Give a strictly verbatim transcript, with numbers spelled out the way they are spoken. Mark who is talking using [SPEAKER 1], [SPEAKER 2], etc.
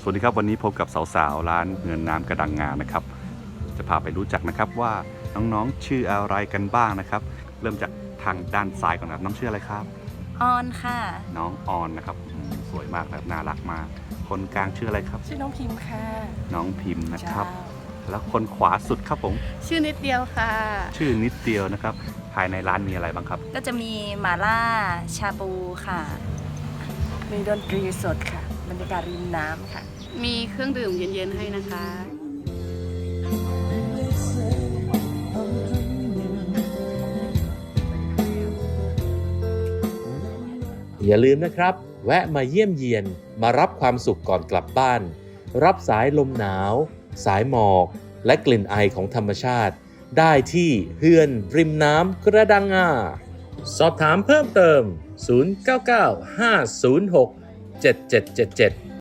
[SPEAKER 1] สวัสดีครับวันนี้พบกับสาวๆร้านเงินน้ำกระดังงานะครับจะพาไปรู้จักนะครับว่าน้องๆชื่ออะไรกันบ้างนะครับเริ่มจากทางด้านซ้ายก่อนนะครับน้องชื่ออะไรครับ
[SPEAKER 2] ออนค่ะ
[SPEAKER 1] น้องออนนะครับสวยมากแบบน่ารักมากคนกลางชื่ออะไรครับ
[SPEAKER 3] ชื่อน้องพิมพ์ค่ะ
[SPEAKER 1] น้องพิมพ์นะครับแล้วคนขวาสุดครับผม
[SPEAKER 3] ชื่อนิดเดียวค่ะ
[SPEAKER 1] ชื่อนิดเดียวนะครับภายในร้านมีอะไรบ้างครับ
[SPEAKER 2] ก็จะมีหม่าล่าชาบูค่ะ
[SPEAKER 3] มีดนตรีสดค่ะบรรยากาศริมน้ำค่ะ
[SPEAKER 4] มีเครื่องดื่มเย็นๆให้นะคะ
[SPEAKER 5] อย่าลืมนะครับแวะมาเยี่ยมเยียนมารับความสุขก่อนกลับบ้านรับสายลมหนาวสายหมอกและกลิ่นไอของธรรมชาติได้ที่เฮือนริมน้ำกระดังงาสอบถามเพิ่มเติมศูนย์ เก้า เก้า ห้า ศูนย์ หก เจ็ด เจ็ด เจ็ด เจ็ด